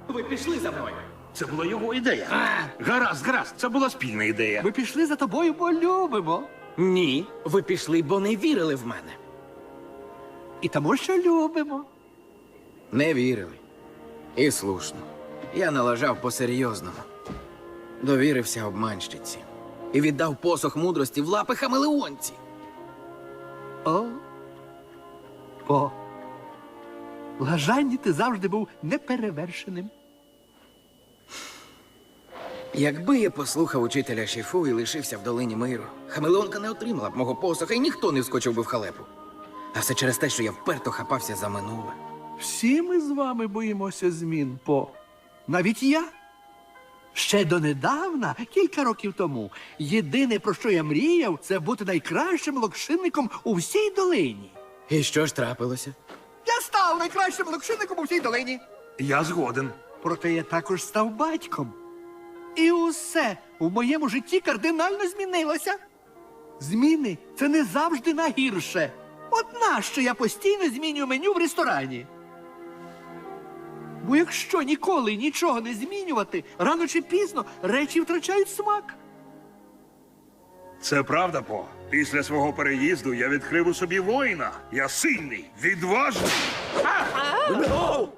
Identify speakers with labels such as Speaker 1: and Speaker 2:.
Speaker 1: Ви пішли за мною.
Speaker 2: Це була його ідея. Гаразд, це була спільна ідея.
Speaker 3: Ми пішли за тобою, бо любимо.
Speaker 1: Ні, ви пішли, бо не вірили в мене.
Speaker 3: І тому, що любимо.
Speaker 1: Не вірили. І слушно. Я налажав по-серйозному. Довірився обманщиці. І віддав посох мудрості в лапи хамелеонці.
Speaker 3: По лажанні ти завжди був неперевершеним.
Speaker 1: Якби я послухав учителя Шіфу і лишився в долині миру, хамелеонка не отримала б мого посоха і ніхто не вскочив би в халепу. А все через те, що я вперто хапався за минуле.
Speaker 3: Всі ми з вами боїмося змін, По. Навіть я. Ще донедавна, кілька років тому, єдине, про що я мріяв, це бути найкращим локшинником у всій долині.
Speaker 1: І що ж трапилося?
Speaker 3: Я став найкращим локшинником у всій долині.
Speaker 2: Я згоден.
Speaker 3: Проте я також став батьком. І усе у моєму житті кардинально змінилося. Зміни – це не завжди на гірше. От нащо я постійно змінюю меню в ресторані? Бо якщо ніколи нічого не змінювати, рано чи пізно речі втрачають смак.
Speaker 2: Це правда, По. Після свого переїзду я відкрив у собі воїна. Я сильний, відважний.